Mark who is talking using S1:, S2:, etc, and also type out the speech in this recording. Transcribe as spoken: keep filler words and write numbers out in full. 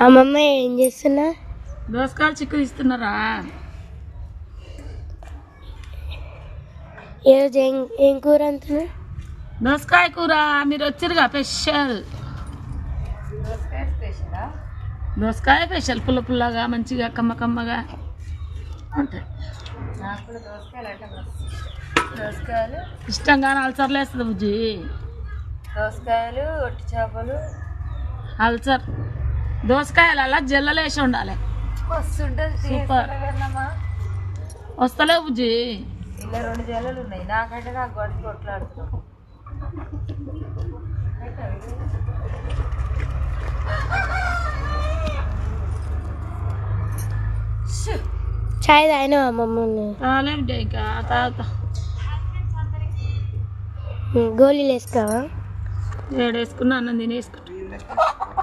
S1: అమ్మమ్మ ఏం చేస్తున్నా?
S2: దోసకాయలు చిక్కులు ఇస్తున్నారా?
S1: ఈరోజు ఏం ఏం కూర అంటున్నా?
S2: దోసకాయ కూర. మీరు వచ్చారుగా స్పెషల్ దోసకాయ స్పెషల్ పుల్ల పుల్లగా మంచిగా కమ్మ కమ్మగా ఉంటాయి.
S3: దోసకాయలు
S2: ఇష్టంగా అల్సర్లు వేస్తుంది బుజ్జి.
S3: దోసకాయలు ఒట్టి చేపలు
S2: అల్సర్ దోసకాయలు అలా జల్లలు వేసి ఉండాలి.
S3: వస్తుంటది
S2: సూపర్. వస్తలేవు బుజ్జి.
S3: ఇలా రెండు జల్లలు ఉన్నాయి. నాకంటే నాకు గొడవ కొట్లాడుతున్నాం.
S1: చాయ్ తాగినా అమ్మమ్మ?
S2: తాలే బిడ్డ ఇంకా తాగుతా.
S1: గోళీలు వేసుకోవా?
S2: ఏడేసుకున్నా అన్నం తినేసుకుంటా.